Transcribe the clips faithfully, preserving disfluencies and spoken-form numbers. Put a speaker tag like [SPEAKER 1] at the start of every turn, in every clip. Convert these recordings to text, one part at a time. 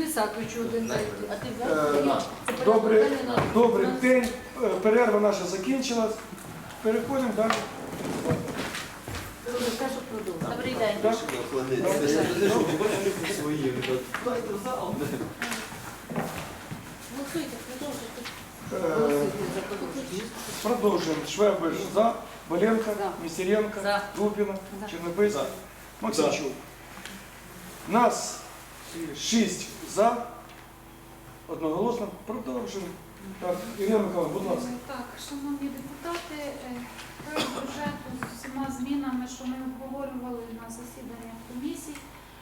[SPEAKER 1] Лисаковичу один дайте. А ти
[SPEAKER 2] Е,
[SPEAKER 1] взяв?
[SPEAKER 2] Добрий, добрий день. Е, Перерва наша закінчилась. Переходимо далі.
[SPEAKER 1] Добрий день.
[SPEAKER 2] Так?
[SPEAKER 1] Голосуйте, продовжуйте.
[SPEAKER 2] Е, Продовжуємо. Швебиш за, Боленко,
[SPEAKER 1] За.
[SPEAKER 2] Місіренко,
[SPEAKER 1] За.
[SPEAKER 2] Дубіна,
[SPEAKER 1] За.
[SPEAKER 2] Чернобильський, Максимчук. Нас шість за. Одноголосно. Продовжуємо. Так, Ірина Михайловна, будь ласка.
[SPEAKER 3] Так, шановні депутати, е, проект бюджету з всіма змінами, що ми обговорювали на засіданнях комісій,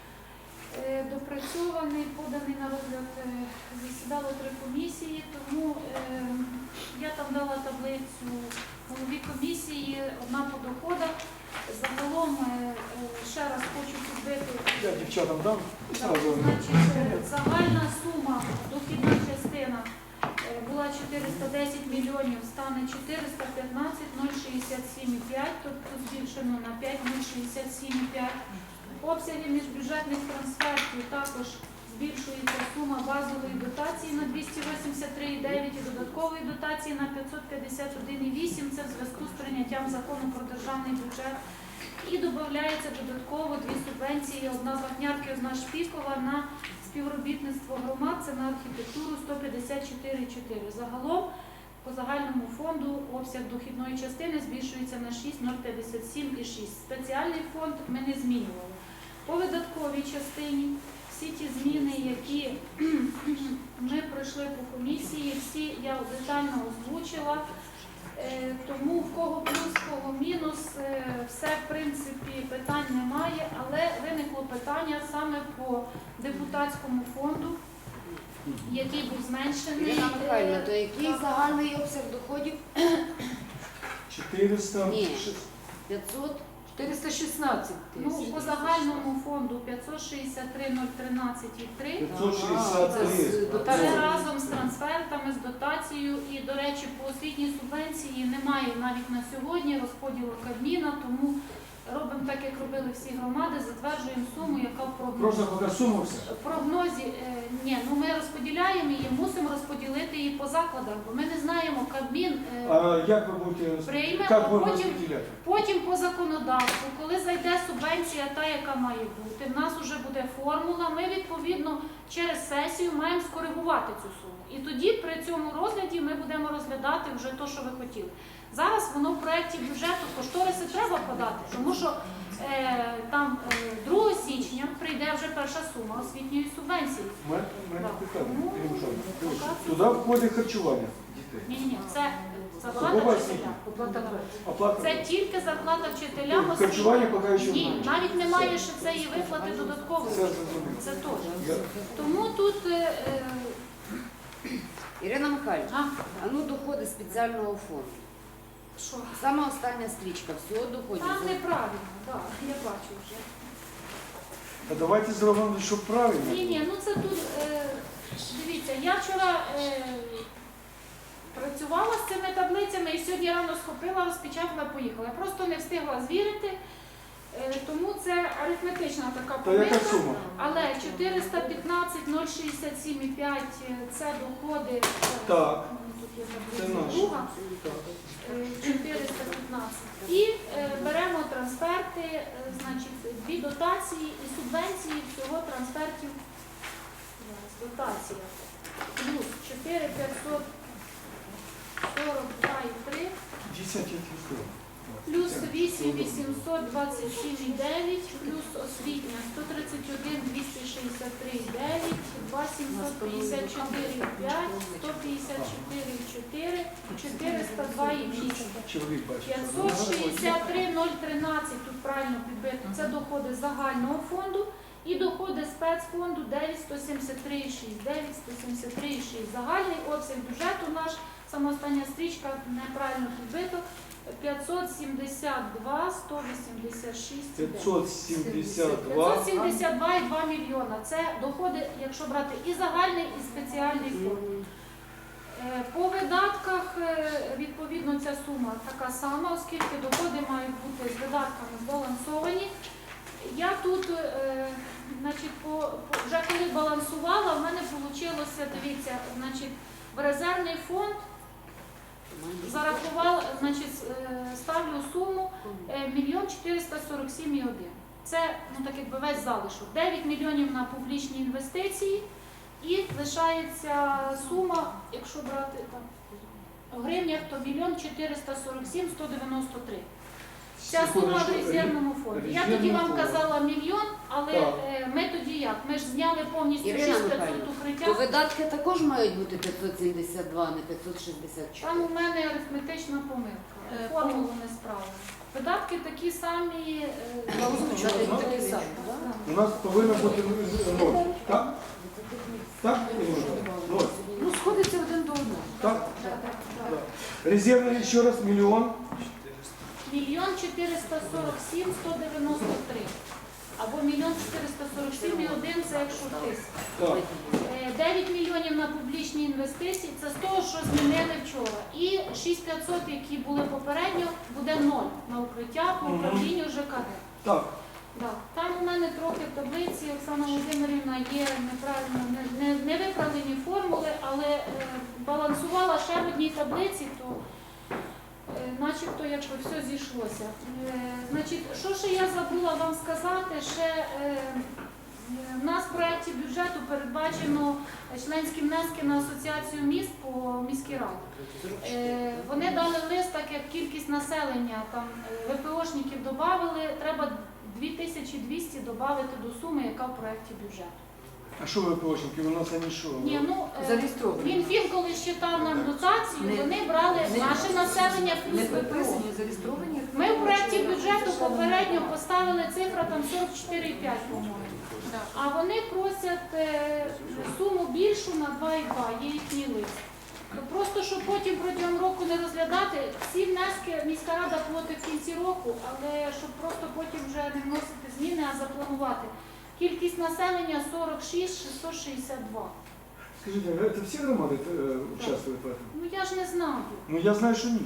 [SPEAKER 3] е, допрацьований, поданий на розгляд, е, засідало три комісії, тому е, я там дала таблицю голові комісії, одна по доходах. Загалом, е, е, ще раз хочу підбити,
[SPEAKER 2] Я дівчатам дам.
[SPEAKER 3] так, значить, е, загальна сума, дохідна частина е, була чотириста десять мільйонів, стане чотириста п'ятнадцять нуль шістдесят сім і п'ять, тобто збільшено на п'ять нуль шістдесят сім і п'ять. Обсяги міжбюджетних трансфертів також збільшується сума базової дотації на двісті вісімдесят три і дев'ять і додаткової дотації на п'ятсот п'ятдесят один і вісім. Це в зв'язку з прийняттям закону про державний бюджет. І додається додатково дві субвенції, одна з Вапнярки, одна Шпікова на співробітництво громад, це на архітектуру сто п'ятдесят чотири і чотири. Загалом по загальному фонду обсяг дохідної частини збільшується на шість нуль п'ятдесят сім і шість. Спеціальний фонд ми не змінювали. По видатковій частині всі ті зміни, які ми пройшли по комісії, всі я детально озвучила. Е, Тому в кого плюс, в кого мінус, е, все в принципі питань немає, але виникло питання саме по депутатському фонду, який був зменшений.
[SPEAKER 1] Ірина Михайлівна,
[SPEAKER 3] Е,
[SPEAKER 1] то який
[SPEAKER 3] так.
[SPEAKER 1] загальний обсяг доходів?
[SPEAKER 2] чотириста.
[SPEAKER 1] Ні. п'ятсот? чотириста шістнадцять
[SPEAKER 3] Ну,
[SPEAKER 1] тисяч.
[SPEAKER 3] по загальному фонду п'ятсот шістдесят три нуль тринадцять і три.
[SPEAKER 2] п'ятсот шістдесят
[SPEAKER 1] А, це з
[SPEAKER 2] три.
[SPEAKER 1] дотацією.
[SPEAKER 3] Це разом з трансфертами, з дотацією. І, до речі, по освітній субвенції немає навіть на сьогодні розподілу Кабміна, тому робимо так, як робили всі громади, затверджуємо суму, яка в прогнозі.
[SPEAKER 2] Просто поки сума все.
[SPEAKER 3] В прогнозі, е, ні, ну ми розподіляємо її, мусимо розподілити її по закладах, бо ми не знаємо, Кабмін е,
[SPEAKER 2] А як ви будете,
[SPEAKER 3] Прийме,
[SPEAKER 2] як
[SPEAKER 3] а
[SPEAKER 2] будемо
[SPEAKER 3] потім-
[SPEAKER 2] розподіляти?
[SPEAKER 3] потім по законодавству, коли зайде субвенція та, яка має бути, в нас вже буде формула, ми відповідно через сесію маємо скоригувати цю суму. І тоді при цьому розгляді ми будемо розглядати вже те, що ви хотіли. Зараз воно в проєкті бюджету кошториси треба подати, тому що е, там е, другого січня прийде вже перша сума освітньої субвенції.
[SPEAKER 2] У мене у мене
[SPEAKER 3] Так.
[SPEAKER 2] питання.
[SPEAKER 3] Ну,
[SPEAKER 2] Ірина Михайлівна, дивіться,
[SPEAKER 3] поки
[SPEAKER 2] туди входить харчування дітей.
[SPEAKER 3] Ні, ні, це зарплата
[SPEAKER 2] Судова
[SPEAKER 3] вчителя.
[SPEAKER 2] Оплата.
[SPEAKER 3] Це тільки зарплата вчителям освіти.
[SPEAKER 2] Харчування поки що
[SPEAKER 3] Ні,
[SPEAKER 2] немає.
[SPEAKER 3] навіть немає ще цієї виплати додаткової.
[SPEAKER 2] Це зрозуміло.
[SPEAKER 3] Це теж.
[SPEAKER 2] Я-
[SPEAKER 3] Тому тут е, е,
[SPEAKER 1] Ірина Михайлівна,
[SPEAKER 3] а,
[SPEAKER 1] а ну доходи спеціального фонду.
[SPEAKER 3] що?
[SPEAKER 1] Сама остання стрічка, всього доходів.
[SPEAKER 3] Там неправильно, так, я бачу вже.
[SPEAKER 2] А давайте зробимо, щоб правильно.
[SPEAKER 3] Ні, ні, ну це тут, е, дивіться, я вчора е, працювала з цими таблицями і сьогодні рано схопила, розпечатала, поїхала. Я просто не встигла звірити, е, тому це арифметична така
[SPEAKER 2] То яка
[SPEAKER 3] помилка.
[SPEAKER 2] сума?
[SPEAKER 3] Але чотириста п'ятнадцять нуль шістдесят сім і п'ять це доходи.
[SPEAKER 2] Так.
[SPEAKER 3] Тут є
[SPEAKER 2] Це
[SPEAKER 3] таблиця
[SPEAKER 2] наш.
[SPEAKER 3] друга.
[SPEAKER 2] Так.
[SPEAKER 3] Е, чотириста п'ятнадцять. І е, беремо трансферти, е, значить, дві дотації і субвенції всього трансфертів. Зараз, дотація. Плюс чотири п'ятсот сорок два і три.
[SPEAKER 2] десять я тебе
[SPEAKER 3] Плюс вісім вісімсот двадцять сім і дев'ять, плюс освітня сто тридцять один двісті шістдесят три і дев'ять, два сімсот п'ятдесят чотири і п'ять, сто п'ятдесят чотири і чотири, чотириста два і вісім.
[SPEAKER 2] Чоловік бачить.
[SPEAKER 3] п'ятсот шістдесят три нуль тринадцять, тут правильно підбито, це доходи загального фонду і доходи спецфонду дев'ять сто сімдесят три і шість, дев'ять сто сімдесят три і шість. Загальний обсяг бюджету наш, сама остання стрічка, неправильно підбито, п'ятсот сімдесят два сто вісімдесят шість.
[SPEAKER 2] п'ятсот сімдесят два.
[SPEAKER 3] п'ятсот сімдесят два і два мільйона. Це доходи, якщо брати і загальний, і спеціальний фонд. Е, По видатках, е, відповідно, ця сума така сама, оскільки доходи мають бути з видатками збалансовані. Я тут, е, значить, по, по, вже коли балансувала, в мене Получилося, дивіться, значить, в резервний фонд зарахував, значить, е, ставлю суму е, мільйон чотириста сорок сім і один. Це, ну так якби весь залишок. дев'ять мільйонів на публічні інвестиції і лишається сума, якщо брати там в гривнях, то мільйон чотириста сорок сім сто дев'яносто три. Ця сума в резервному фонді. Я тоді вам казала мільйон, але
[SPEAKER 2] Так.
[SPEAKER 3] е, ми тоді як? Ми ж зняли повністю
[SPEAKER 1] Ірина
[SPEAKER 3] шість тисяч
[SPEAKER 1] Михайлівна,
[SPEAKER 3] п'ятсот укриття.
[SPEAKER 1] То видатки також мають бути п'ятсот сімдесят два, а не п'ятсот шістдесят
[SPEAKER 3] Там
[SPEAKER 1] чотири.
[SPEAKER 3] у мене арифметична помилка.
[SPEAKER 4] Е,
[SPEAKER 3] Формулу не справила. Видатки такі самі. е,
[SPEAKER 1] Озвучувати
[SPEAKER 2] Ну,
[SPEAKER 1] такі самі, так?
[SPEAKER 3] да.
[SPEAKER 2] У нас повинно бути ноль. Так? Так? Ноль.
[SPEAKER 1] Ну, сходиться один до одного.
[SPEAKER 2] Так?
[SPEAKER 3] Да, да, да.
[SPEAKER 2] Да. Резервный еще раз миллион.
[SPEAKER 3] Мільйон чотириста сорок сім сто дев'яносто три. Або мільйон чотириста сорок сім і один, це якщо тисяч.
[SPEAKER 2] Так.
[SPEAKER 3] Е, дев'ять мільйонів на публічні інвестиції, це з того, що змінили вчора. І шість тисяч п'ятсот, які були попередньо, буде ноль на укриття по управлінню ЖКГ.
[SPEAKER 2] Так.
[SPEAKER 3] Да. Там у мене трохи в таблиці, Оксана Володимирівна, є неправильно, не, не, не виправлені формули, але е, балансувала ще в одній таблиці, то е, начебто якби все зійшлося. Е, значить, що ще я забула вам сказати, ще е, в нас в проєкті бюджету передбачено членські внески на асоціацію міст по міській раді. Е, Вони дали лист, так як кількість населення, там е, ВПОшників додали, треба дві тисячі двісті додати до суми, яка в проєкті бюджету.
[SPEAKER 2] А що ви ПОшники? У нас вони що?
[SPEAKER 3] Ні, ну, е,
[SPEAKER 1] Зареєстровані.
[SPEAKER 3] Мінфін, коли считав нам дотацію,
[SPEAKER 1] Не-
[SPEAKER 3] вони брали
[SPEAKER 1] не-
[SPEAKER 3] наше населення плюс
[SPEAKER 1] Не
[SPEAKER 3] ВПО.
[SPEAKER 1] приписані, зареєстровані.
[SPEAKER 3] Ми в проєкті бюджету попередньо поставили цифра там сорок чотири і п'ять, по-моєму. А вони просять е, суму більшу на два і два, є їхній лист. То просто, щоб потім протягом року не розглядати, всі внески міська рада платить в кінці року, але щоб просто потім вже не вносити зміни, а запланувати. Кількість населення сорок шість шістсот шістдесят два.
[SPEAKER 2] Скажите, это все громады э, участвуют в этом?
[SPEAKER 3] Ну я ж не знаю.
[SPEAKER 2] Ну я знаю, що ні.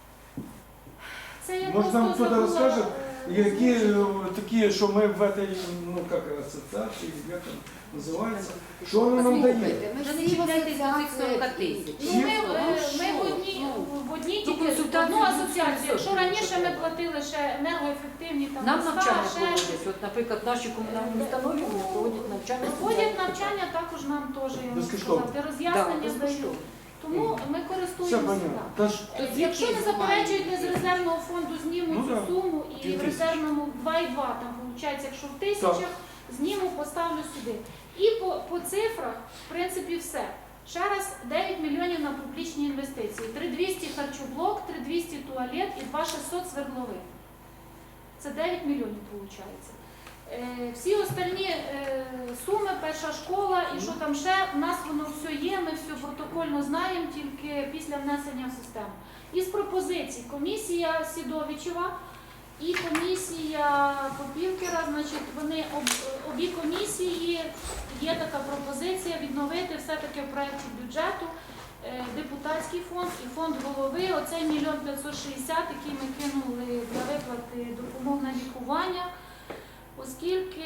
[SPEAKER 3] Це я
[SPEAKER 2] Може, нам
[SPEAKER 3] просто
[SPEAKER 2] хтось
[SPEAKER 3] забула,
[SPEAKER 2] розкаже,
[SPEAKER 3] е,
[SPEAKER 2] Які
[SPEAKER 3] озвучити.
[SPEAKER 2] е, такі, що ми в этой, ну как, ассоциации, як там називається, що воно нам дає?
[SPEAKER 1] Послухайте, ми
[SPEAKER 4] Вже
[SPEAKER 1] ж
[SPEAKER 4] не
[SPEAKER 1] всі в
[SPEAKER 4] чіпляйтесь до цих
[SPEAKER 1] асоціації.
[SPEAKER 4] сорок тисяч.
[SPEAKER 3] Ну, ми,
[SPEAKER 1] Ну,
[SPEAKER 3] е,
[SPEAKER 1] що?
[SPEAKER 3] ми в одній,
[SPEAKER 1] Ну,
[SPEAKER 3] в одній
[SPEAKER 1] ну,
[SPEAKER 3] тільки
[SPEAKER 1] консультацію
[SPEAKER 3] одну
[SPEAKER 1] з
[SPEAKER 3] асоціацію. Якщо
[SPEAKER 1] усіх
[SPEAKER 3] раніше ми
[SPEAKER 1] треба.
[SPEAKER 3] платили ще енергоефективні там
[SPEAKER 4] Нам
[SPEAKER 3] міста,
[SPEAKER 4] навчання
[SPEAKER 3] ще
[SPEAKER 4] проводять.
[SPEAKER 3] щось.
[SPEAKER 4] От, наприклад, наші комунальні установи вони проводять навчання.
[SPEAKER 3] Проводять навчання, також нам теж, я можу
[SPEAKER 2] Безкоштовно.
[SPEAKER 3] сказати,
[SPEAKER 4] Да,
[SPEAKER 3] роз'яснення дають.
[SPEAKER 4] безкоштовно.
[SPEAKER 3] Тому ми
[SPEAKER 2] Все
[SPEAKER 3] користуємося.
[SPEAKER 2] понятно.
[SPEAKER 3] да.
[SPEAKER 2] Та ж,
[SPEAKER 3] Е, Якщо не заперечують, не з резервного фонду зніму
[SPEAKER 2] Ну,
[SPEAKER 3] цю
[SPEAKER 2] да.
[SPEAKER 3] суму і
[SPEAKER 2] Дві
[SPEAKER 3] в
[SPEAKER 2] тисячі.
[SPEAKER 3] резервному два і два, там виходить, якщо в тисячах, зніму, поставлю сюди. І по, по цифрах, в принципі, все. Ще раз, дев'ять мільйонів на публічні інвестиції, три тисячі двісті харчоблок, три тисячі двісті туалет і два тисячі шістсот свердловин. Це дев'ять мільйонів виходить. Е, Всі остальні е, суми, перша школа і що там ще, в нас воно все є, ми все протокольно знаємо, тільки після внесення в систему. Із пропозицій комісія Сідовичева і комісія Попівкера, значить, вони об- обі комісії, є така пропозиція відновити все-таки в проєкті бюджету е, депутатський фонд і фонд голови, оцей мільйон п'ятсот шістдесят, який ми кинули для виплати допомог на лікування, оскільки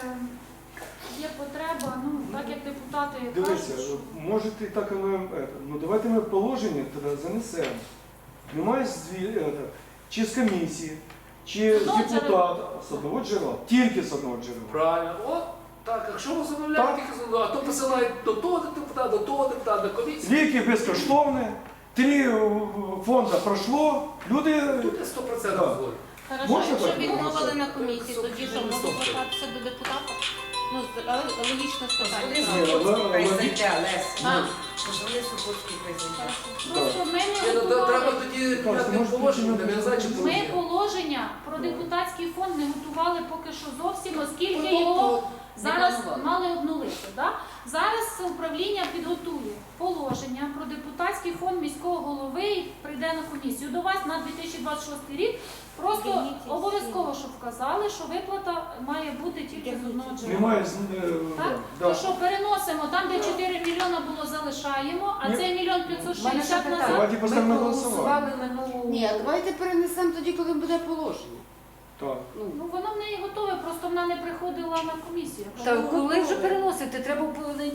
[SPEAKER 3] є потреба, ну, так як депутати
[SPEAKER 2] дивіться,
[SPEAKER 3] кажуть, що
[SPEAKER 2] може і так і ми, это, ну давайте ми положення тоді занесемо. Немає зві, это, чи з комісії, чи
[SPEAKER 3] З
[SPEAKER 2] з
[SPEAKER 3] одного
[SPEAKER 2] депутата, з одного джерела, тільки з одного джерела.
[SPEAKER 5] Правильно. От так, якщо ви замовляєте, тільки з одного, а то посилають до того депутата, до того депутата, до комісії.
[SPEAKER 2] Ліки безкоштовні, три е, фонда пройшло, люди...
[SPEAKER 5] Тут я сто процентів
[SPEAKER 2] Так.
[SPEAKER 5] згоден.
[SPEAKER 4] Хорошо,
[SPEAKER 2] Можна
[SPEAKER 4] якщо
[SPEAKER 2] так
[SPEAKER 4] відмовили
[SPEAKER 2] говорити?
[SPEAKER 4] на комісії, тоді що можна звертатися до депутата? Ну, з- але логічно
[SPEAKER 1] Вони
[SPEAKER 4] питання.
[SPEAKER 2] Ні,
[SPEAKER 1] Супоцький
[SPEAKER 2] але-
[SPEAKER 1] прийде, Олесь.
[SPEAKER 4] А.
[SPEAKER 1] Вони Супоцький прийде.
[SPEAKER 3] просто ми
[SPEAKER 5] Ні,
[SPEAKER 3] не
[SPEAKER 5] ну, то треба
[SPEAKER 3] готували.
[SPEAKER 5] тоді
[SPEAKER 2] Так,
[SPEAKER 5] прийняти
[SPEAKER 2] може,
[SPEAKER 5] положення,
[SPEAKER 2] тоді
[SPEAKER 5] не знаю, чи
[SPEAKER 3] Ми
[SPEAKER 5] положення.
[SPEAKER 3] положення про депутатський фонд не готували поки що зовсім, оскільки
[SPEAKER 5] Ну,
[SPEAKER 3] його
[SPEAKER 5] тобто,
[SPEAKER 3] зараз
[SPEAKER 1] планували.
[SPEAKER 3] мали обнулити. Да? Зараз управління підготує положення про депутатський фонд міського голови і прийде на комісію. До вас на дві тисячі двадцять шостий рік просто
[SPEAKER 4] Звільніть із
[SPEAKER 3] обов'язково, щоб вказали, що виплата має бути тільки з одного джерела.
[SPEAKER 2] Немає... з- е,
[SPEAKER 3] Так?
[SPEAKER 2] да.
[SPEAKER 3] То що переносимо, там де чотири мільйона було, залишаємо, а
[SPEAKER 2] Ні.
[SPEAKER 3] цей мільйон п'ятсот
[SPEAKER 1] У мене ще
[SPEAKER 3] шістдесят
[SPEAKER 1] питання.
[SPEAKER 3] назад.
[SPEAKER 2] Давайте
[SPEAKER 1] Ми
[SPEAKER 2] поставимо на
[SPEAKER 1] проголосували
[SPEAKER 2] голосування.
[SPEAKER 1] минулу... Ні, а давайте перенесемо тоді, коли буде положення.
[SPEAKER 2] Так.
[SPEAKER 1] Ну,
[SPEAKER 3] Ну воно в неї готове, просто вона не приходила на комісію.
[SPEAKER 4] Та коли вже переносити? Треба в понеділок приймати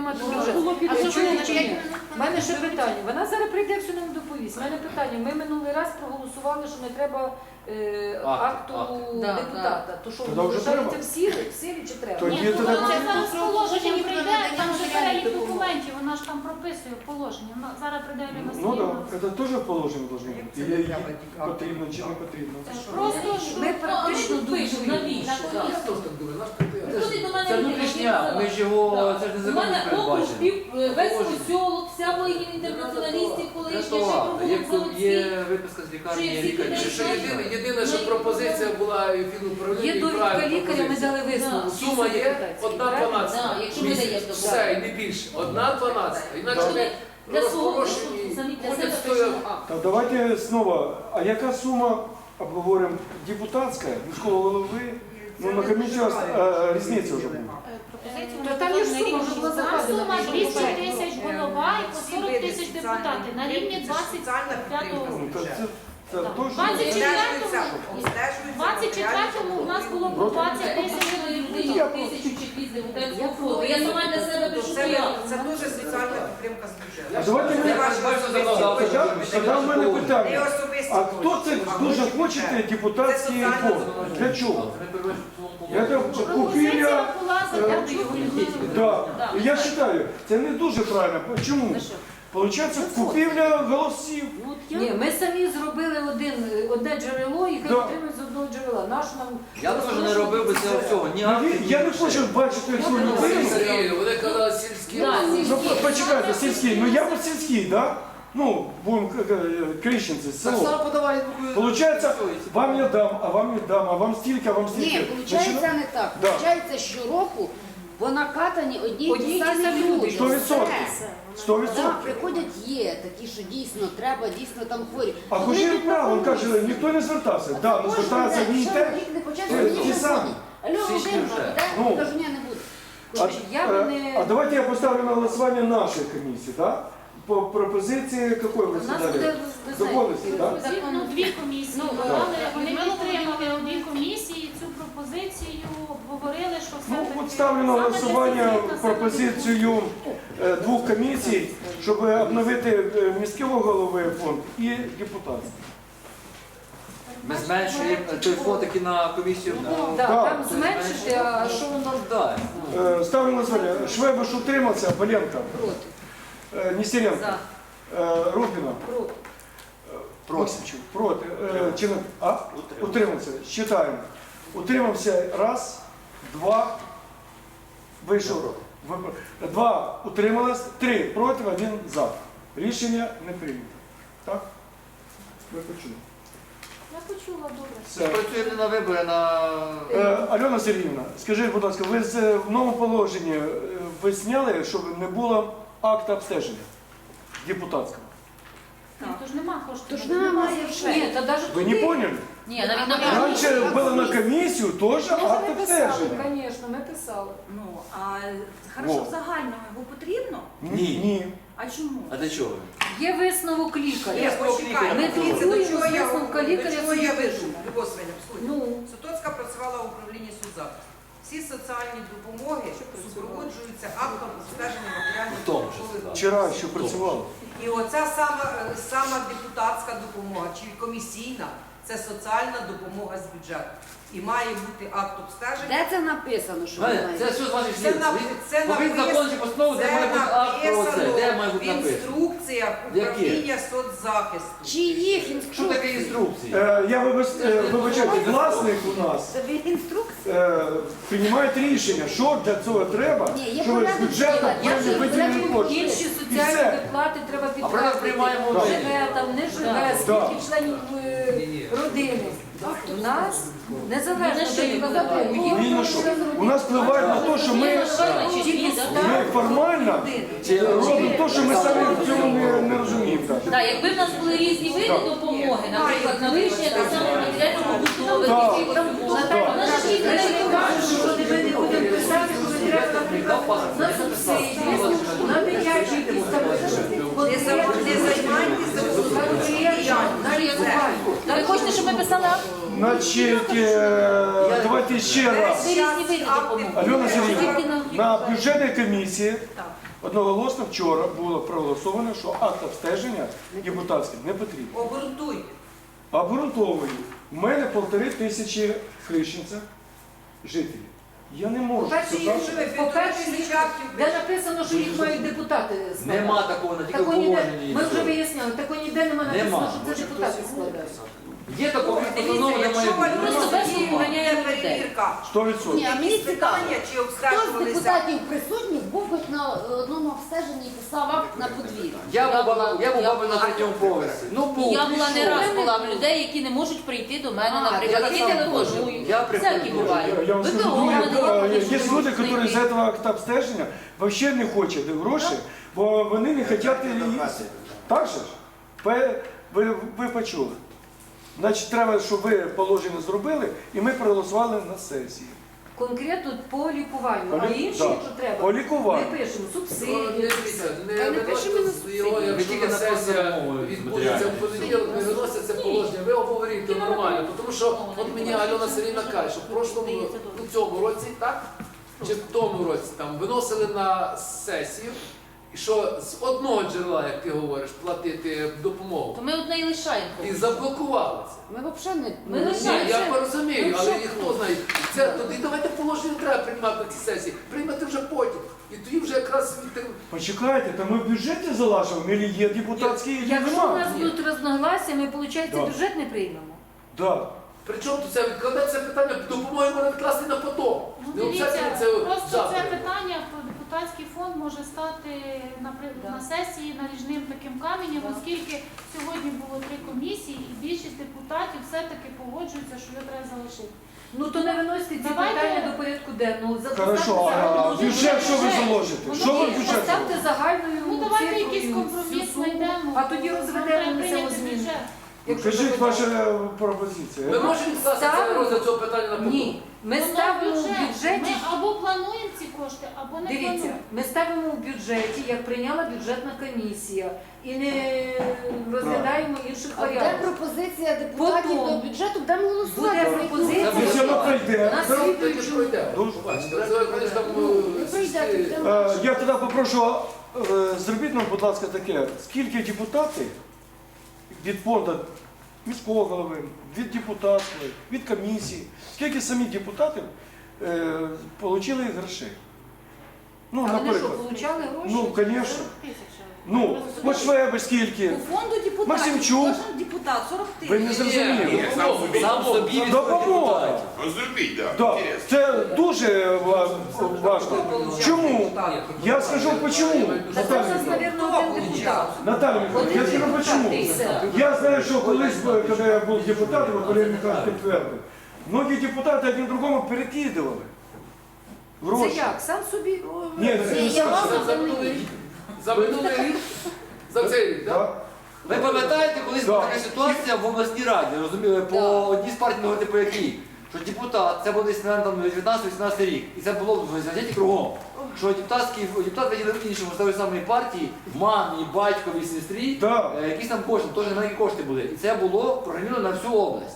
[SPEAKER 6] приймати
[SPEAKER 4] Дуже.
[SPEAKER 6] бюджет.
[SPEAKER 4] А що
[SPEAKER 6] Чуєте
[SPEAKER 4] ви
[SPEAKER 6] чи
[SPEAKER 4] на
[SPEAKER 6] ні?
[SPEAKER 4] п'ять
[SPEAKER 6] У мене ще питання. Вона зараз прийде, все нам доповість. У мене питання. Ми минулий раз проголосували, що не треба е,
[SPEAKER 5] Акт,
[SPEAKER 6] акту
[SPEAKER 5] акт.
[SPEAKER 1] Да,
[SPEAKER 6] депутата. То що,
[SPEAKER 2] Тоді вже
[SPEAKER 6] залишається
[SPEAKER 2] треба.
[SPEAKER 6] в силі, в силі чи треба?
[SPEAKER 2] Тоді
[SPEAKER 3] Ні,
[SPEAKER 2] тоді-
[SPEAKER 3] ну, це зараз
[SPEAKER 4] Про
[SPEAKER 3] положення
[SPEAKER 4] положення
[SPEAKER 3] прийде,
[SPEAKER 4] про
[SPEAKER 3] там же
[SPEAKER 4] надання
[SPEAKER 3] перелік
[SPEAKER 4] допомоги.
[SPEAKER 3] документів, вона ж там прописує в положенні. Вона- Зараз прийде Ірина
[SPEAKER 2] Ну так,
[SPEAKER 3] Сергіївна.
[SPEAKER 2] це теж в положенні должно бути.
[SPEAKER 7] Це
[SPEAKER 2] Є-
[SPEAKER 7] не
[SPEAKER 2] є-
[SPEAKER 7] треба тільки
[SPEAKER 2] Потрібно чи не потрібно.
[SPEAKER 3] Просто ж
[SPEAKER 6] Ми практично
[SPEAKER 4] Ну, пишемо,
[SPEAKER 6] думаємо,
[SPEAKER 4] навіщо?
[SPEAKER 6] що
[SPEAKER 4] Так.
[SPEAKER 5] Я теж так думаю, наш прийде.
[SPEAKER 4] Приходить до мене
[SPEAKER 5] Це
[SPEAKER 4] людина,
[SPEAKER 5] внутрішня,
[SPEAKER 4] яка
[SPEAKER 5] ми ж його, це ж
[SPEAKER 4] У
[SPEAKER 5] незаконно
[SPEAKER 4] мене округ
[SPEAKER 5] передбачено.
[SPEAKER 4] пів, весь
[SPEAKER 5] Положення.
[SPEAKER 4] посілок, вся воїнів інтернаціоналістів, колишня, ще
[SPEAKER 5] Рятувати. Є,
[SPEAKER 4] провулок
[SPEAKER 5] є
[SPEAKER 4] заводський.
[SPEAKER 5] виписка з лікарні,
[SPEAKER 4] Що є
[SPEAKER 5] є
[SPEAKER 4] всі
[SPEAKER 5] лікар.
[SPEAKER 4] клінічні
[SPEAKER 5] Що єдине, єдине, що пропозиція була і фінуправління,
[SPEAKER 6] Є
[SPEAKER 5] і
[SPEAKER 6] довідка
[SPEAKER 5] правильна
[SPEAKER 6] лікаря, ми
[SPEAKER 5] пропозиція.
[SPEAKER 6] дали висновок.
[SPEAKER 5] Сума
[SPEAKER 6] всі
[SPEAKER 5] є
[SPEAKER 6] депутатські,
[SPEAKER 5] одна
[SPEAKER 6] правильно?
[SPEAKER 5] дванадцята.
[SPEAKER 4] Да, якщо ми даємо добро.
[SPEAKER 5] Все, і не більше. Одна дванадцята. Інакше
[SPEAKER 4] Щоб
[SPEAKER 5] ми
[SPEAKER 4] для свого
[SPEAKER 5] розпорошені.
[SPEAKER 4] розсудку самі для
[SPEAKER 5] Ходять
[SPEAKER 4] себе
[SPEAKER 5] стоя-
[SPEAKER 4] пишемо акт.
[SPEAKER 2] Так, давайте снова. А яка сума, обговоримо, депутатська, міського голови? Ну, на комісію а, різниця вже буде.
[SPEAKER 4] Пропозицію
[SPEAKER 6] Та там є ж сума, вже була
[SPEAKER 3] Там
[SPEAKER 6] закладена.
[SPEAKER 3] сума
[SPEAKER 6] що
[SPEAKER 3] двісті
[SPEAKER 6] попередньо.
[SPEAKER 3] тисяч голова і по сорок тисяч депутати на рівні двадцять п'ятого.
[SPEAKER 2] Ну, то це, це
[SPEAKER 3] Так.
[SPEAKER 2] точно.
[SPEAKER 3] двадцять четвертому двадцять четвертому у нас було по двадцять тисяч
[SPEAKER 4] Людині тисячу чи дві з депутатського фонду. Я сама для себе пишу
[SPEAKER 7] Це,
[SPEAKER 4] заяву.
[SPEAKER 7] це дуже соціальна підтримка з бюджету.
[SPEAKER 2] А давайте ми-
[SPEAKER 7] Це ваші
[SPEAKER 5] Бачите,
[SPEAKER 7] особисті
[SPEAKER 5] законодавство.
[SPEAKER 7] кошти.
[SPEAKER 2] Тоді в мене
[SPEAKER 7] Не
[SPEAKER 2] питання.
[SPEAKER 7] особисті
[SPEAKER 2] А хто це
[SPEAKER 7] кошти, а
[SPEAKER 2] дуже
[SPEAKER 7] кошти
[SPEAKER 2] хоче
[SPEAKER 7] бюджету.
[SPEAKER 2] депутатський
[SPEAKER 7] Це соціальна
[SPEAKER 2] фонд?
[SPEAKER 7] допомога.
[SPEAKER 2] Для чого?
[SPEAKER 5] Ми переводимо в цілому
[SPEAKER 2] Я
[SPEAKER 5] положення.
[SPEAKER 2] так
[SPEAKER 3] пропозиція
[SPEAKER 2] купівля.
[SPEAKER 3] була
[SPEAKER 2] е,
[SPEAKER 3] за
[SPEAKER 2] Да. І я вважаю, це не дуже правильно. Чому? Получається, купівля голосів.
[SPEAKER 6] Ні, ми самі зробили один, одне джерело і хай
[SPEAKER 2] Да.
[SPEAKER 6] отримують з одного джерела. Наш нам
[SPEAKER 5] Я теж не робив би цього всього. Ні
[SPEAKER 2] Ну,
[SPEAKER 5] акти,
[SPEAKER 2] він-
[SPEAKER 5] ні
[SPEAKER 2] Я не
[SPEAKER 5] грошей.
[SPEAKER 2] хочу бачити цю людину.
[SPEAKER 5] Сергій, вони казали сільські.
[SPEAKER 4] Да,
[SPEAKER 2] Ну,
[SPEAKER 4] сільські.
[SPEAKER 2] по- почекайте, сільський. Ну я вот сільський, да? Ну, будем Крещенці,
[SPEAKER 5] Так
[SPEAKER 2] село.
[SPEAKER 5] само подавай.
[SPEAKER 2] Получается, вам я дам, а вам не дам, а вам стільки, а вам
[SPEAKER 1] Ні,
[SPEAKER 2] стільки.
[SPEAKER 1] виходить не так.
[SPEAKER 2] Да.
[SPEAKER 1] Виходить, щороку по накатані одні й
[SPEAKER 6] Одні й
[SPEAKER 1] ті
[SPEAKER 6] ті
[SPEAKER 1] самі
[SPEAKER 6] самі
[SPEAKER 1] люди.
[SPEAKER 6] люди.
[SPEAKER 2] Сто відсотків.
[SPEAKER 1] Все.
[SPEAKER 2] Сто
[SPEAKER 1] Так,
[SPEAKER 2] відсотків.
[SPEAKER 1] приходять є такі, що дійсно треба, дійсно там хворі.
[SPEAKER 2] А
[SPEAKER 1] Вони
[SPEAKER 2] Кужір
[SPEAKER 1] не
[SPEAKER 2] прав, він каже,
[SPEAKER 1] пропонують.
[SPEAKER 2] ніхто не звертався.
[SPEAKER 1] А
[SPEAKER 2] Да,
[SPEAKER 1] це
[SPEAKER 2] ну
[SPEAKER 1] кожен
[SPEAKER 2] звертається
[SPEAKER 1] день,
[SPEAKER 2] він
[SPEAKER 1] що
[SPEAKER 2] те.
[SPEAKER 1] рік не почався,
[SPEAKER 2] Е,
[SPEAKER 1] мені
[SPEAKER 2] ті
[SPEAKER 1] вже
[SPEAKER 2] самі.
[SPEAKER 1] дзвонять. Алло,
[SPEAKER 5] Січні
[SPEAKER 1] Володимир,
[SPEAKER 5] вже.
[SPEAKER 1] де?
[SPEAKER 2] Ну.
[SPEAKER 1] Кажу, ні, не буду.
[SPEAKER 2] А,
[SPEAKER 6] Я би
[SPEAKER 2] е,
[SPEAKER 6] не-
[SPEAKER 2] а давайте я поставлю на голосування нашої комісії, да? По пропозиції якої ви
[SPEAKER 6] У нас
[SPEAKER 2] задали?
[SPEAKER 6] буде, ви
[SPEAKER 2] Домовились,
[SPEAKER 6] знаєте,
[SPEAKER 2] так?
[SPEAKER 3] Дві- ну, дві комісії
[SPEAKER 6] Ну,
[SPEAKER 3] давали,
[SPEAKER 4] так.
[SPEAKER 3] вони підтримали одні комісії цю пропозицію, обговорили, що все
[SPEAKER 2] Ну,
[SPEAKER 3] таки
[SPEAKER 2] от ставлю на
[SPEAKER 3] саме
[SPEAKER 2] голосування
[SPEAKER 3] дефіцитна, саме
[SPEAKER 2] пропозицію е, двох комісій, щоб обновити е, міського голови фонд і депутатський.
[SPEAKER 5] Ми зменшуємо той фонд, який на комісію.
[SPEAKER 6] Да,
[SPEAKER 2] Да.
[SPEAKER 6] там зменшити, а що воно
[SPEAKER 5] Так.
[SPEAKER 2] Е, Ставлю на голосування. Швебуш утримався, Боленко,
[SPEAKER 1] Проти.
[SPEAKER 2] е, Нестеренко,
[SPEAKER 6] за,
[SPEAKER 2] е, Рупіна,
[SPEAKER 6] проти.
[SPEAKER 2] Максимчук, проти. Е, Чи не? А? Утримався. Считаємо. Утримався раз, два, вийшов. Ви- Два утрималось, три проти, один за. Рішення не прийнято. Так? Ви почули.
[SPEAKER 3] Я почула добре.
[SPEAKER 2] Все.
[SPEAKER 5] Працюємо не на вибори, а на...
[SPEAKER 2] Е, Альона Сергіївна, скажіть, будь ласка, ви з е, в новому положенні е, ви зняли, щоб не було акта обстеження депутатського?
[SPEAKER 3] Ні, то ж нема коштів.
[SPEAKER 1] То ж немає вже.
[SPEAKER 6] Ні, та навіть
[SPEAKER 2] Ви не
[SPEAKER 6] туди.
[SPEAKER 2] поняли?
[SPEAKER 4] Ні, навіть на
[SPEAKER 2] Раньше було на комісію теж
[SPEAKER 6] Ми
[SPEAKER 2] акт
[SPEAKER 6] вже писали,
[SPEAKER 2] обстеження.
[SPEAKER 6] звісно, ми писали.
[SPEAKER 8] Ну, а хорошо,
[SPEAKER 2] Во.
[SPEAKER 8] в загальному його потрібно?
[SPEAKER 2] Ні. Ні.
[SPEAKER 8] А чому?
[SPEAKER 5] А для чого?
[SPEAKER 6] Є висновок лікаря.
[SPEAKER 7] Ні, почекайте.
[SPEAKER 6] Ми
[SPEAKER 7] Дивіться,
[SPEAKER 6] фіксуємо
[SPEAKER 7] до чого я-
[SPEAKER 6] висновка лікаря,
[SPEAKER 7] до чого
[SPEAKER 6] це
[SPEAKER 7] я
[SPEAKER 6] не
[SPEAKER 7] веду.
[SPEAKER 6] пишемо.
[SPEAKER 7] Любов Свиня, послухайте.
[SPEAKER 6] Ну,
[SPEAKER 7] Сутоцька працювала в управлінні соцзахисту. Всі соціальні допомоги супроводжуються актом обстеження матеріальних
[SPEAKER 5] В тому числі,
[SPEAKER 7] допомоги.
[SPEAKER 5] так.
[SPEAKER 2] Вчора ще працювало.
[SPEAKER 7] І оця сама, е, сама депутатська допомога чи комісійна це соціальна допомога з бюджету. І має бути акт обстеження.
[SPEAKER 1] Де це написано, що
[SPEAKER 5] Знаєте,
[SPEAKER 1] немає?
[SPEAKER 5] Це що з ваших
[SPEAKER 7] Це
[SPEAKER 5] слів?
[SPEAKER 7] на- це
[SPEAKER 5] Повинен
[SPEAKER 7] написано-
[SPEAKER 5] закон чи постанову, де
[SPEAKER 7] Це
[SPEAKER 5] має бути акт про це,
[SPEAKER 7] написано
[SPEAKER 5] де має
[SPEAKER 7] в
[SPEAKER 5] бути написано.
[SPEAKER 7] інструкціях управління соцзахисту.
[SPEAKER 1] Чиїх
[SPEAKER 5] Що
[SPEAKER 1] інструкцій?
[SPEAKER 5] таке інструкції?
[SPEAKER 2] Е, Я вибач- е, вибачаю, власник у нас
[SPEAKER 1] Це ви інструкції?
[SPEAKER 2] е, приймає рішення, що для цього треба,
[SPEAKER 1] Ні, є
[SPEAKER 2] щоб з
[SPEAKER 1] порядок
[SPEAKER 2] бюджету
[SPEAKER 1] діла. Я
[SPEAKER 2] певні
[SPEAKER 1] ж
[SPEAKER 2] виділені
[SPEAKER 1] порядок
[SPEAKER 2] кошти.
[SPEAKER 6] інші
[SPEAKER 2] І
[SPEAKER 6] соціальні
[SPEAKER 2] все.
[SPEAKER 6] виплати треба
[SPEAKER 5] А порядок
[SPEAKER 6] підтвердити.
[SPEAKER 5] приймаємо ми.
[SPEAKER 6] Живе там, не живе,
[SPEAKER 2] Да.
[SPEAKER 6] скільки членів е,
[SPEAKER 5] Ні-ні.
[SPEAKER 6] родини. У нас незалежно
[SPEAKER 4] Ні на що не впливає.
[SPEAKER 2] Ні на що. У нас впливає на те, що ми, ми формально робимо те, що ми самі в цьому не, не розуміємо. так.
[SPEAKER 4] Так, якби в нас були різні види допомоги, наприклад, на вирішення так само матеріально-побутових
[SPEAKER 2] Так.
[SPEAKER 4] якихось допомог,
[SPEAKER 2] Так.
[SPEAKER 4] у нас ж їх
[SPEAKER 6] Ми
[SPEAKER 4] не
[SPEAKER 6] не кажемо, що ми не будемо писати, коли треба, наприклад, на субсидії, на дитячі якісь там
[SPEAKER 7] Не за- не займайтеся
[SPEAKER 6] на лікування.
[SPEAKER 4] Ви хочете, щоб ми писали акт?
[SPEAKER 2] Значить, е, давайте ще раз.
[SPEAKER 4] Це різні види допомоги.
[SPEAKER 2] Альона Сергіївна,
[SPEAKER 4] Тільки на-
[SPEAKER 2] на бюджетній комісії
[SPEAKER 8] Так.
[SPEAKER 2] одноголосно вчора було проголосовано, що акт обстеження депутатський не потрібен.
[SPEAKER 7] Обґрунтуйте.
[SPEAKER 2] Обґрунтовую. У мене півтори тисячі Хрещенця жителів. Я не можу
[SPEAKER 6] По-перше, їх
[SPEAKER 2] сказати.
[SPEAKER 6] живе, по-перше, їх- де написано, що їх мають депутати складати.
[SPEAKER 9] Нема такого, на тільки в
[SPEAKER 6] Такого ніде,
[SPEAKER 9] положенні.
[SPEAKER 6] ми вже виясняли, такого ніде нема написано,
[SPEAKER 9] Нема.
[SPEAKER 6] що це депутати складають.
[SPEAKER 9] Є такого,
[SPEAKER 7] Дивіться,
[SPEAKER 9] воно немає.
[SPEAKER 7] якщо
[SPEAKER 9] бути.
[SPEAKER 7] Альона
[SPEAKER 4] Просто без
[SPEAKER 7] Сергіївна
[SPEAKER 4] вимагання
[SPEAKER 7] є
[SPEAKER 4] людей.
[SPEAKER 7] перевірка,
[SPEAKER 2] сто відсотків.
[SPEAKER 1] Ні, а мені
[SPEAKER 7] якісь
[SPEAKER 1] цікаво,
[SPEAKER 7] питання, чи
[SPEAKER 1] хто з
[SPEAKER 7] обстежувалися?
[SPEAKER 1] депутатів присутніх був хоч на одному обстеженні і писав акт на подвір'я?
[SPEAKER 9] Я був
[SPEAKER 4] була-
[SPEAKER 9] бабою- я був
[SPEAKER 4] я
[SPEAKER 9] бабою на
[SPEAKER 4] була-
[SPEAKER 9] третьому поверсі. Ну, був,
[SPEAKER 4] Я була не
[SPEAKER 9] пішов.
[SPEAKER 4] раз була в людей, які не можуть прийти до мене,
[SPEAKER 6] А,
[SPEAKER 4] наприклад,
[SPEAKER 9] я
[SPEAKER 4] які
[SPEAKER 9] так само
[SPEAKER 4] телефонують.
[SPEAKER 9] Я приходжу.
[SPEAKER 4] Всякі бувають.
[SPEAKER 2] Я вам скажу,
[SPEAKER 4] ВПО
[SPEAKER 2] друге,
[SPEAKER 4] мене
[SPEAKER 2] е,
[SPEAKER 4] є,
[SPEAKER 2] є люди, які з цього акта обстеження взагалі не хочуть гроші, бо вони не хочуть їсти. Так же ж? Ви, ви, ви почули. Значить, треба, щоб ви положення зробили, і ми проголосували на сесії.
[SPEAKER 6] Конкретно по лікуванню,
[SPEAKER 2] По
[SPEAKER 6] а
[SPEAKER 2] лі-
[SPEAKER 6] інші,
[SPEAKER 2] так.
[SPEAKER 6] якщо треба,
[SPEAKER 2] По лікуванню.
[SPEAKER 6] ми пишемо
[SPEAKER 5] Ну,
[SPEAKER 6] субсидії.
[SPEAKER 5] дивіться, не
[SPEAKER 1] Та не
[SPEAKER 5] виносите
[SPEAKER 1] пишемо на
[SPEAKER 5] з його,
[SPEAKER 1] субсидії.
[SPEAKER 5] якщо
[SPEAKER 9] Тільки
[SPEAKER 5] на
[SPEAKER 9] на
[SPEAKER 5] сесія
[SPEAKER 9] планову
[SPEAKER 5] відбудеться в
[SPEAKER 9] матеріальну.
[SPEAKER 5] понеділок, не виноситься це положення, ви обговорюєте нормально. Тому що от мені Альона Сергіївна каже, що в прошлому, у цьому році, так? Чи в тому році там виносили на сесію, і що з одного джерела, як ти говориш, платити допомогу.
[SPEAKER 4] То ми одне і лишаємо.
[SPEAKER 5] І заблокували це.
[SPEAKER 1] Ми взагалі не...
[SPEAKER 6] Ми
[SPEAKER 5] Ні,
[SPEAKER 6] лишаємо.
[SPEAKER 5] я розумію,
[SPEAKER 6] Ну,
[SPEAKER 5] але
[SPEAKER 6] що?
[SPEAKER 5] ніхто знає. Це тоді давайте положення не треба приймати на цій сесії. Приймати вже потім. І тоді вже якраз від
[SPEAKER 2] Почекайте, то ми в бюджеті залажимо, або є депутатські, або
[SPEAKER 6] Якщо у нас
[SPEAKER 2] нема.
[SPEAKER 6] будуть розногласія, ми, виходить,
[SPEAKER 2] Да.
[SPEAKER 6] бюджет не приймемо.
[SPEAKER 2] Да.
[SPEAKER 5] Причому тут це відкладеться питання, допомоги можна відкласти на потом.
[SPEAKER 3] Ну,
[SPEAKER 5] Не
[SPEAKER 3] дивіться,
[SPEAKER 5] обов'язково це
[SPEAKER 3] просто
[SPEAKER 5] завтра.
[SPEAKER 3] це питання про депутатський фонд може стати наприклад, на сесії наріжним таким каменем, оскільки сьогодні було три комісії і більшість депутатів все-таки погоджуються, що його треба залишити.
[SPEAKER 6] Ну то не виносите ці
[SPEAKER 3] Давайте-
[SPEAKER 6] питання до порядку денного. За-
[SPEAKER 2] Хорошо,
[SPEAKER 6] поставте
[SPEAKER 2] а
[SPEAKER 6] загальну-
[SPEAKER 2] бюджет що ви заложите?
[SPEAKER 3] Ну,
[SPEAKER 2] Що ви в
[SPEAKER 3] ні,
[SPEAKER 2] бюджет
[SPEAKER 6] Поставте
[SPEAKER 2] заложите?
[SPEAKER 6] загальною
[SPEAKER 3] Ну давайте
[SPEAKER 6] цифрою
[SPEAKER 3] якийсь
[SPEAKER 6] всю
[SPEAKER 3] компроміс
[SPEAKER 6] суму,
[SPEAKER 3] знайдемо.
[SPEAKER 6] а тоді
[SPEAKER 3] Нам
[SPEAKER 6] розведемо
[SPEAKER 3] треба
[SPEAKER 6] на
[SPEAKER 3] прийняти
[SPEAKER 6] самозміну.
[SPEAKER 3] бюджет.
[SPEAKER 6] Якщо
[SPEAKER 2] Кажіть
[SPEAKER 6] ви
[SPEAKER 2] ваша
[SPEAKER 6] хочете.
[SPEAKER 2] е, пропозиція.
[SPEAKER 5] Ми можемо відкласти це
[SPEAKER 6] Ставимо.
[SPEAKER 5] розгляд цього питання на потом?
[SPEAKER 6] Ні, ми
[SPEAKER 3] Воно
[SPEAKER 6] ставимо в
[SPEAKER 3] бюджет.
[SPEAKER 6] бюджеті.
[SPEAKER 3] Ми або плануємо ці кошти, або не
[SPEAKER 6] Дивіться,
[SPEAKER 3] плануємо.
[SPEAKER 6] ми ставимо в бюджеті, як прийняла бюджетна комісія, і не розглядаємо інших
[SPEAKER 1] А де
[SPEAKER 6] варіантів.
[SPEAKER 1] пропозиція депутатів
[SPEAKER 6] Потім.
[SPEAKER 1] до бюджету, будемо голосувати.
[SPEAKER 6] Буде
[SPEAKER 1] за
[SPEAKER 6] пропозиція.
[SPEAKER 1] яку-
[SPEAKER 2] Якщо воно пройде,
[SPEAKER 6] На
[SPEAKER 2] то-
[SPEAKER 5] Тоді
[SPEAKER 6] слідуючу-
[SPEAKER 5] пройде.
[SPEAKER 2] Дуже.
[SPEAKER 5] Побачите, це якось там
[SPEAKER 1] Ну,
[SPEAKER 5] е,
[SPEAKER 1] не прийде,
[SPEAKER 5] сільські-
[SPEAKER 1] то
[SPEAKER 2] Е, я тоді попрошу, е, зробіть нам, будь ласка, таке, скільки депутатів від фонду міського голови, від депутатської, від комісії, скільки самі депутатів е, отримали грошей? Ну,
[SPEAKER 6] А вони що,
[SPEAKER 2] наприклад.
[SPEAKER 6] получали гроші?
[SPEAKER 2] Ну, звісно. Ну, от Швебер скільки?
[SPEAKER 8] У фонду депутатів
[SPEAKER 2] Максимчук.
[SPEAKER 8] кожен депутат сорок
[SPEAKER 2] Ви
[SPEAKER 8] тисяч.
[SPEAKER 2] не зрозуміли.
[SPEAKER 9] Сам собі, сам собі від
[SPEAKER 2] Допомога.
[SPEAKER 9] депутатів.
[SPEAKER 10] Розробіть, так.
[SPEAKER 2] Да, це дуже ва- важливо. Чому? Я скажу почему.
[SPEAKER 6] Та це у нас,
[SPEAKER 2] Наталья
[SPEAKER 6] мабуть, один депутат.
[SPEAKER 2] Наталья Михайловна, я скажу почему.
[SPEAKER 6] І все.
[SPEAKER 2] Я знаю, що колись, коли я був депутатом, а Валерій Михайлович підтвердив, многі депутати один другому перекидували
[SPEAKER 6] Це
[SPEAKER 2] гроші.
[SPEAKER 6] як? Сам собі? о,
[SPEAKER 2] Ні,
[SPEAKER 6] це-
[SPEAKER 2] це не
[SPEAKER 3] Я
[SPEAKER 2] скажу.
[SPEAKER 3] вам
[SPEAKER 5] За минулий рік. За минулий рік. За цей рік, так?
[SPEAKER 2] Да?
[SPEAKER 9] Ви пам'ятаєте, колись
[SPEAKER 2] Да.
[SPEAKER 9] була така ситуація в обласній раді, розуміли, по одній з партій, не говорити по якій, що депутат, це був десь наверно, там дев'ятнадцятий-вісімнадцятий рік, і це було в газеті кругом, що депутатський, депутат виділив іншому з тої самої партії, мамі, батькові, сестрі,
[SPEAKER 2] Да.
[SPEAKER 9] е, якісь там кошти, теж немає кошти були. І це було програмовано на всю область.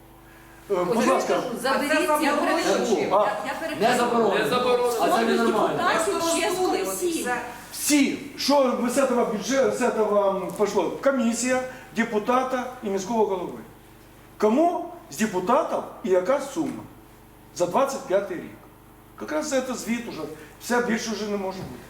[SPEAKER 2] Е, Будь ласка,
[SPEAKER 7] А це
[SPEAKER 6] Заберіть ці
[SPEAKER 7] заборонено
[SPEAKER 6] гроші.
[SPEAKER 7] чим?
[SPEAKER 2] а,
[SPEAKER 8] Я
[SPEAKER 9] Не
[SPEAKER 8] перепрошую.
[SPEAKER 9] заборонено.
[SPEAKER 5] Не заборонено.
[SPEAKER 9] А це
[SPEAKER 8] Фонду
[SPEAKER 9] ненормально.
[SPEAKER 8] депутатів
[SPEAKER 7] Просто
[SPEAKER 8] чесно
[SPEAKER 7] розсудили,
[SPEAKER 8] всі.
[SPEAKER 7] все.
[SPEAKER 2] всі, що з цього бюджету, з цього пішло? Комісія, депутата і міського голови. Кому з депутатів і яка сума за двадцять п'ятий рік? Якраз це звіт уже, все більше вже не може бути.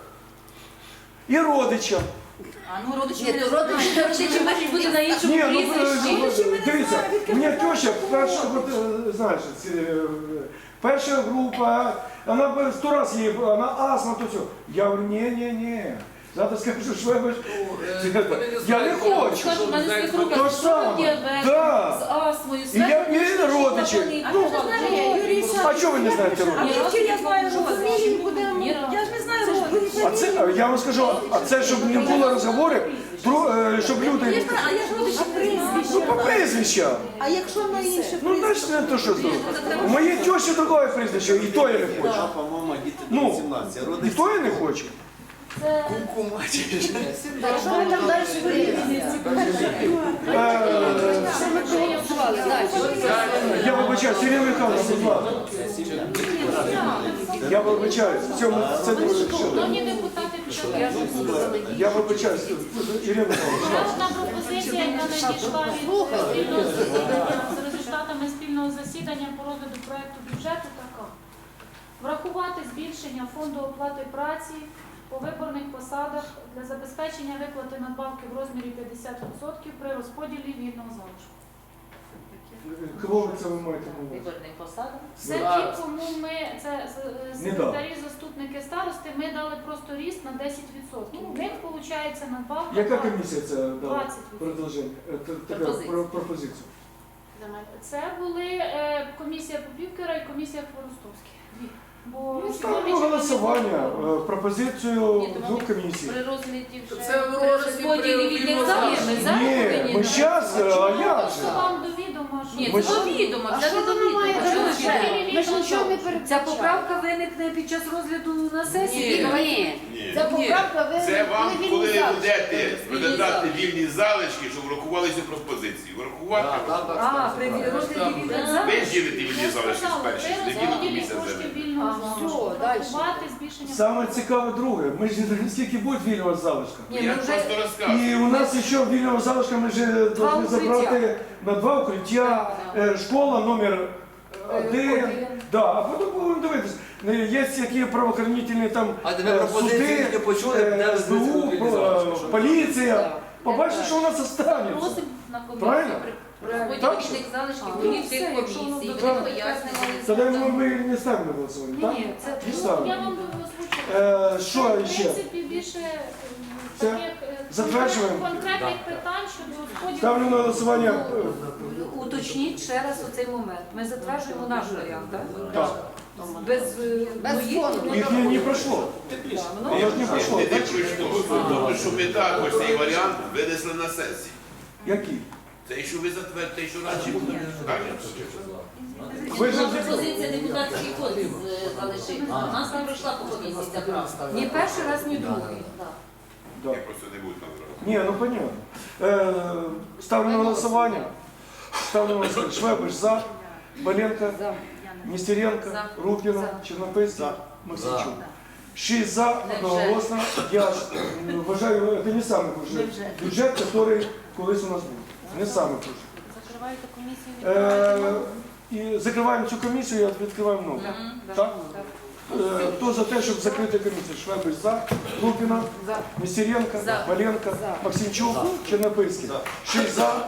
[SPEAKER 2] І родичам.
[SPEAKER 8] А ну родичі
[SPEAKER 1] Ні,
[SPEAKER 8] мене
[SPEAKER 1] то родичі,
[SPEAKER 8] знають.
[SPEAKER 4] Родичі можуть бути на іншому
[SPEAKER 2] Ні, ну
[SPEAKER 4] прізвищі.
[SPEAKER 2] е, дивіться, у мене теща, перша, от, е, знаєш, ці, е, перша група, вона б сто раз їй, вона астма, то все. Я говорю, ні, ні, ні. Завтра скажу, що ви я не хочу.
[SPEAKER 4] Скажу, в мене
[SPEAKER 2] То
[SPEAKER 4] свекруха
[SPEAKER 2] ж
[SPEAKER 4] з
[SPEAKER 2] саме.
[SPEAKER 4] діабетом,
[SPEAKER 2] Да.
[SPEAKER 4] з астмою,
[SPEAKER 2] І я
[SPEAKER 4] свекруха,
[SPEAKER 2] і
[SPEAKER 4] що
[SPEAKER 2] родичі.
[SPEAKER 4] вони-
[SPEAKER 2] Ну,
[SPEAKER 4] А ви знаєте, Юрій
[SPEAKER 2] А чого ви не знаєте
[SPEAKER 8] А
[SPEAKER 2] родичів?
[SPEAKER 8] звідки я знаю родичі?
[SPEAKER 4] Ні,
[SPEAKER 8] Я ж не знаю родичів.
[SPEAKER 2] А це, я вам скажу, а це, щоб не було розговорів, дру- е, щоб
[SPEAKER 8] Я
[SPEAKER 2] люди...
[SPEAKER 8] ж знаю, а я ж родичі
[SPEAKER 2] Ну, по прізвищам.
[SPEAKER 8] А якщо на інше
[SPEAKER 2] Ну, значить, не то, що зробити. У моєї тещі другое прізвище, і то я не хочу.
[SPEAKER 10] По-моєму, діти
[SPEAKER 2] Ну,
[SPEAKER 10] до сімнадцяти.
[SPEAKER 2] І то я не хочу.
[SPEAKER 3] Це
[SPEAKER 1] Так, що ви там далі вирішуєте?
[SPEAKER 2] Е,
[SPEAKER 1] Що ми проголосували? Далі.
[SPEAKER 2] Я вибачаю, Сергій Михайлович, будь ласка. Я вибачаю, в цьому це дуже що.
[SPEAKER 3] шановні депутати, бюджету.
[SPEAKER 2] Я вибачаю, Ірина Михайлович.
[SPEAKER 3] Ще одна пропозиція, яка надійшла від спільного засідання з результатами спільного засідання по розгляду проекту бюджету така. Врахувати збільшення фонду оплати праці по виборних посадах для забезпечення виплати надбавки в розмірі п'ятдесят відсотків при розподілі вільного залишку.
[SPEAKER 2] Кого ви це ви маєте на увазі?
[SPEAKER 4] Виборний посади.
[SPEAKER 3] Це ті, кому ми, це з-
[SPEAKER 2] Не
[SPEAKER 3] секретарі, заступники старости, ми дали просто ріст на десять відсотків. У них виходить надбавка.
[SPEAKER 2] Яка комісія це дала
[SPEAKER 3] двадцять відсотків.
[SPEAKER 2] предложення? Е, т- така
[SPEAKER 4] Пропозиція.
[SPEAKER 2] про- пропозицію?
[SPEAKER 3] Це були е, комісія Попівкера і комісія Хворостовський. Дві. Бо
[SPEAKER 2] Ну,
[SPEAKER 3] сьогодні
[SPEAKER 2] ставимо
[SPEAKER 3] чи
[SPEAKER 2] голосування,
[SPEAKER 3] вони-
[SPEAKER 2] е, пропозицію
[SPEAKER 4] Ні, то
[SPEAKER 2] двох
[SPEAKER 4] вони
[SPEAKER 2] комісій.
[SPEAKER 4] При розгляді вже
[SPEAKER 5] Це в
[SPEAKER 4] при
[SPEAKER 5] розгляді
[SPEAKER 4] розподілі
[SPEAKER 5] при
[SPEAKER 4] вільних
[SPEAKER 5] вільного
[SPEAKER 4] залишків.
[SPEAKER 5] залишку.
[SPEAKER 4] Ми зараз
[SPEAKER 2] Ні,
[SPEAKER 4] повинні
[SPEAKER 2] ми
[SPEAKER 4] на-
[SPEAKER 2] зараз, а як
[SPEAKER 3] Просто
[SPEAKER 2] же?
[SPEAKER 3] вам до відома, що
[SPEAKER 4] Ні,
[SPEAKER 2] Ми
[SPEAKER 4] це
[SPEAKER 2] ж-
[SPEAKER 4] до відома,
[SPEAKER 1] А
[SPEAKER 4] це
[SPEAKER 1] що
[SPEAKER 4] не до
[SPEAKER 1] воно має
[SPEAKER 4] відома. Чого ви
[SPEAKER 1] бути?
[SPEAKER 4] відомо?
[SPEAKER 1] Ми ж нічого не
[SPEAKER 6] Ця
[SPEAKER 1] передбачали.
[SPEAKER 6] поправка виникне під час розгляду на сесії.
[SPEAKER 1] Ні, ні.
[SPEAKER 10] Ні.
[SPEAKER 1] Ця поправка ви
[SPEAKER 10] Це вам,
[SPEAKER 1] ви
[SPEAKER 10] коли
[SPEAKER 1] вільні
[SPEAKER 10] ви
[SPEAKER 1] залишки.
[SPEAKER 10] будете розглядати вільні залишки, щоб врахувалися пропозиції. Врахувати.
[SPEAKER 9] Так, так,
[SPEAKER 6] А,
[SPEAKER 9] так.
[SPEAKER 6] при розгляді вільних
[SPEAKER 10] Ви
[SPEAKER 6] залишків.
[SPEAKER 10] ділите вільні залишки з перші,
[SPEAKER 3] при
[SPEAKER 10] з неділю
[SPEAKER 3] розподілі
[SPEAKER 10] комісія
[SPEAKER 3] коштів
[SPEAKER 10] землі.
[SPEAKER 3] вільного
[SPEAKER 1] А,
[SPEAKER 3] залишку.
[SPEAKER 1] все, дальше.
[SPEAKER 3] Врахувати збільшення.
[SPEAKER 2] Саме цікаве друге, ми ж не скільки буде вільного залишка.
[SPEAKER 6] Ні,
[SPEAKER 10] Я
[SPEAKER 6] ми вже
[SPEAKER 10] просто розказую.
[SPEAKER 2] І у нас ще вільного залишка ми вже повинні
[SPEAKER 6] укриття.
[SPEAKER 2] забрати на два укриття, е, школа номер один.
[SPEAKER 6] один.
[SPEAKER 2] Да, а потім будемо дивитися. Е, Є які правоохоронні там
[SPEAKER 9] А тебе
[SPEAKER 2] е,
[SPEAKER 9] пропозиції
[SPEAKER 2] суди,
[SPEAKER 9] не почули,
[SPEAKER 2] е,
[SPEAKER 9] де
[SPEAKER 2] ес бе у,
[SPEAKER 9] візьмуть вільні залишки?
[SPEAKER 2] е, поліція. Побачите, що у нас останеться.
[SPEAKER 4] Просимо на комісію
[SPEAKER 2] Правильно?
[SPEAKER 4] при розподілі
[SPEAKER 2] Так що?
[SPEAKER 4] вільних залишків
[SPEAKER 6] А,
[SPEAKER 4] голів
[SPEAKER 6] ну,
[SPEAKER 4] цих
[SPEAKER 6] все, якщо воно
[SPEAKER 4] комісій.
[SPEAKER 6] буде
[SPEAKER 4] Вони
[SPEAKER 6] так,
[SPEAKER 2] Тоді
[SPEAKER 4] пояснювали.
[SPEAKER 2] ми, ми не ставимо на голосування, так?
[SPEAKER 6] Ні, це
[SPEAKER 2] Не
[SPEAKER 3] Ну,
[SPEAKER 2] ставимо.
[SPEAKER 3] я вам озвучила.
[SPEAKER 2] Е, Що
[SPEAKER 3] В
[SPEAKER 2] ще?
[SPEAKER 3] принципі, більше е,
[SPEAKER 2] Це
[SPEAKER 3] таких е,
[SPEAKER 2] затверджуємо?
[SPEAKER 3] конкретних питань щодо розподілу.
[SPEAKER 2] Ставлю на голосування. е,
[SPEAKER 6] уточніть ще раз оцей момент. Ми затверджуємо наш варіант, так?
[SPEAKER 2] Так.
[SPEAKER 6] Без, е,
[SPEAKER 1] Без
[SPEAKER 6] моїх-
[SPEAKER 1] фону.
[SPEAKER 2] Їх не, не пройшло.
[SPEAKER 6] Да, воно-
[SPEAKER 2] Воно ж не пройшло.
[SPEAKER 10] Не
[SPEAKER 2] так?
[SPEAKER 10] пройшло. Тобто, що ми також цей варіант винесли на сесію.
[SPEAKER 2] Які?
[SPEAKER 10] Це що ви затвердите, що радше буде.
[SPEAKER 2] Ви ж
[SPEAKER 4] Пропозиція депутатський кодекс е, залишити. У нас не пройшла по комісії ця правка.
[SPEAKER 6] Ні перший раз, ні другий.
[SPEAKER 2] Да.
[SPEAKER 10] Я просто не буду там зразу.
[SPEAKER 2] Ні, ну понятно. Е, ставлю на голосування. Ставлю на голосування. Швебиш за, Боленко, Нестеренко,
[SPEAKER 4] За.
[SPEAKER 2] Рупіна,
[SPEAKER 6] За.
[SPEAKER 2] Чернопильський, Максимчук. Шість за, одноголосно. Я ж, м, вважаю, це не самий хуже бюджет, який колись у нас був. Не самий хуже.
[SPEAKER 3] Закриваєте комісію.
[SPEAKER 2] Е,
[SPEAKER 3] відкриваєте
[SPEAKER 2] і закриваємо цю комісію і відкриваємо нову. Так? Е, Хто за те, щоб закрити комісію? Швебиш за, Лупіна,
[SPEAKER 6] За.
[SPEAKER 2] Нестеренко,
[SPEAKER 4] За.
[SPEAKER 2] Валенко, Максимчук, Чернопильський. Шість за,